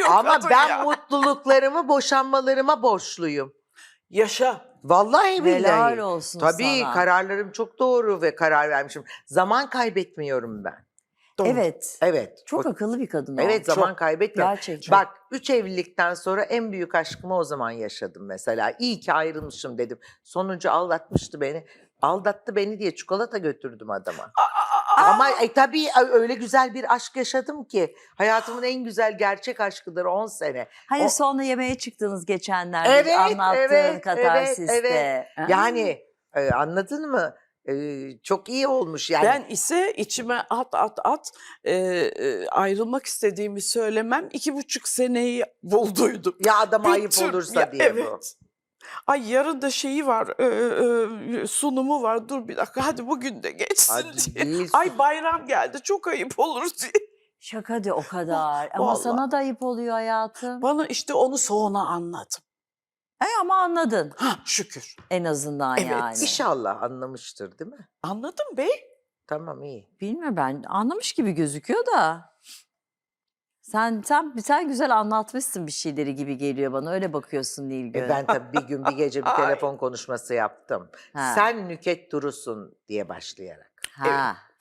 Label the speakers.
Speaker 1: Ama
Speaker 2: kadın
Speaker 1: ben
Speaker 2: ya.
Speaker 1: mutluluklarımı boşanmalarıma borçluyum.
Speaker 2: Yaşa.
Speaker 1: Vallahi billahi.
Speaker 3: Helal olsun
Speaker 1: Tabii
Speaker 3: sana.
Speaker 1: kararlarım çok doğru ve karar vermişim. Zaman kaybetmiyorum ben.
Speaker 2: Doğru.
Speaker 3: Evet.
Speaker 1: Evet.
Speaker 3: Çok akıllı bir kadın o.
Speaker 1: Evet, zaman
Speaker 2: Çok.
Speaker 1: kaybetmiyorum.
Speaker 3: Gerçekten.
Speaker 1: Bak 3 evlilikten sonra en büyük aşkımı o zaman yaşadım mesela. İyi ki ayrılmışım dedim. Sonuncu aldatmıştı beni. Aldattı beni diye çikolata götürdüm adama. Ama tabii öyle güzel bir aşk yaşadım ki. Hayatımın en güzel gerçek aşkıdır 10 sene.
Speaker 3: Hani
Speaker 1: O-
Speaker 3: sonra yemeğe çıktınız geçenlerde
Speaker 1: Evet,
Speaker 3: anlattığın
Speaker 1: evet,
Speaker 3: katarsiste.
Speaker 1: evet.
Speaker 3: Ha?
Speaker 1: Yani anladın mı? Çok iyi olmuş yani.
Speaker 2: Ben ise içime at ayrılmak istediğimi söylemem 2,5 seneyi bulduydum.
Speaker 1: Ya adama ayıp
Speaker 2: Bütün-
Speaker 1: olursa
Speaker 2: ya,
Speaker 1: diye bu.
Speaker 2: evet. Ay yarın da şeyi var, sunumu var. Dur bir dakika hadi bugün de geçsin
Speaker 1: Hadi
Speaker 2: diye.
Speaker 1: değil.
Speaker 2: Ay bayram geldi çok ayıp olur diye.
Speaker 3: Şaka de o kadar. Ama
Speaker 2: Vallahi.
Speaker 3: sana da ayıp oluyor hayatım.
Speaker 2: Bana işte onu sonra anladım.
Speaker 3: Ama anladın
Speaker 2: Ha şükür.
Speaker 3: en azından
Speaker 2: Evet.
Speaker 3: yani.
Speaker 1: İnşallah anlamıştır değil mi?
Speaker 2: Anladım bey.
Speaker 1: Tamam iyi.
Speaker 3: Bilmiyorum, ben anlamış gibi gözüküyor da. Sen güzel anlatmışsın bir şeyleri gibi geliyor bana. Öyle bakıyorsun Nilgün.
Speaker 1: Ben tabii bir gün bir gece bir
Speaker 2: Ay.
Speaker 1: telefon konuşması yaptım.
Speaker 3: Ha.
Speaker 1: Sen Nüket Duru'sun diye başlayarak.
Speaker 3: Ha.